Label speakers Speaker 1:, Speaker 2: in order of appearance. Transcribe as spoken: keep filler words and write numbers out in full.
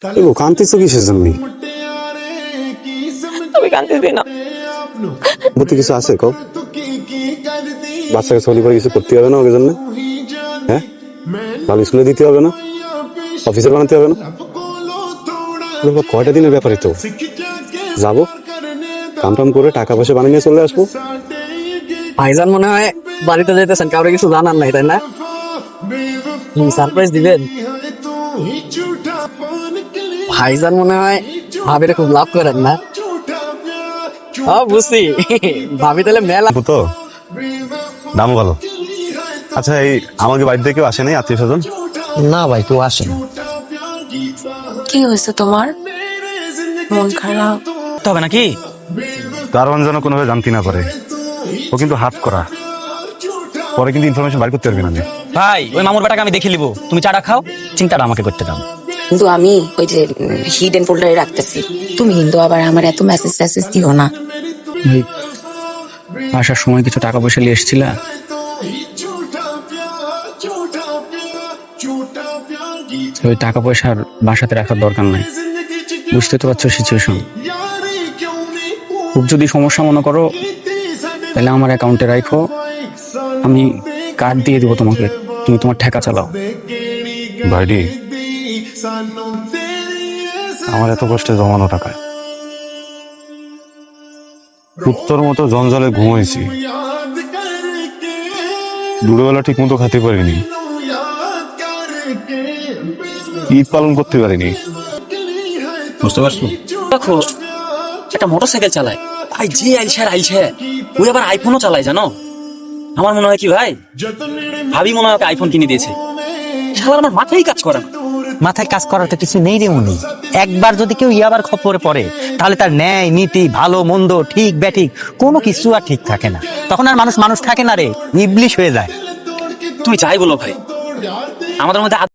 Speaker 1: ও কান্তিছো কিসের জন্য?
Speaker 2: তুমি কাঁদতেছি না।
Speaker 1: বুদ্ধি কিছু আছে কও? বাচ্চাকে সলি করে কিছু করতে হবে না ওকে জন্য? হ্যাঁ, ভালো স্কুলে দিতে হবে না? অফিসার বানাতে হবে না? কয়টা দিনের ব্যাপারে তো যাবো, কাম টাম করে টাকা পয়সা বানিয়ে নিয়ে চলে আসবো।
Speaker 3: ভাইজান মনে হয় বাড়িতে যেতেছেন, কাউরে কিছু জানার নাই তাই না? সারপ্রাইজ দিবেন? ভাইজান মনে হয় ভাবিরে খুব লাভ করেন না? হ্যাঁ বুঝছি, ভাবি তাহলে মেলা
Speaker 1: তো দামও ভালো। আচ্ছা, এই আমাকে বাড়িতে কেউ আসে নাই আত্মীয় স্বজন?
Speaker 3: না ভাই, কেউ আসে না।
Speaker 2: কি হয়েছে তোমার? মন খারাপ?
Speaker 4: হবে নাকি?
Speaker 1: দারোয়ান যেন কোনোভাবে জানতে না পারে, ও কিন্তু হাত করা, পরে কিন্তু ইনফরমেশন বাইর করতে পারবি না।
Speaker 4: ভাই ওই মামুর বেটাকে আমি দেখে নিবো, তুমি চাটা খাও, চিন্তাটা আমাকে করতে দাও।
Speaker 2: কিন্তু আমি ওই যে হিডেন ফোল্ডারে রাখতেছি, তুমি কিন্তু আবার আমার এত মেসেজ টেসেজ দিও না।
Speaker 4: ভাই আসার সময় কিছু টাকা পয়সা নিয়ে এসেছিলা, ওই টাকা পয়সার বাসাতে রাখার দরকার নাই, বুঝতে তো পারছো সিচুয়েশন। খুব যদি সমস্যা মনে করো তাহলে আমার অ্যাকাউন্টে রাখো, আমি কার্ড দিয়ে দিব তোমাকে, তুমি তোমার ঠেকা চালাও।
Speaker 1: ভাইডি, আমার এত কষ্টে জমানো টাকা, উত্তর মতো জঞ্জালে ঘুমাইছি, দুপুরবেলা ঠিক মতো খেতে পারিনি, ঈদ পালন করতে পারিনি।
Speaker 4: বুঝতে পারছো? দেখো একটা মোটরসাইকেল চালায়, ভাই যে আইছে আর আইছে, ওই আবার আইফোনও চালায় জানো। আমার মনে হয় কি ভাই, ভাবি মনে হয় ওকে আইফোন কিনে দিয়েছে। শালা আমার মাথায় কাজ করে না।
Speaker 5: মাথায় কাজ করার তো কিছু নেই রে উনি। একবার যদি কেউ ইয়াবার খপ্পরে পড়ে তাহলে তার ন্যায় নীতি, ভালো মন্দ, ঠিক ব্যাঠিক কোনো কিছু আর ঠিক থাকে না। তখন আর মানুষ মানুষ থাকে না রে, ইবলিশ হয়ে যায়।
Speaker 4: তুমি যাই বলো ভাই, আমাদের মধ্যে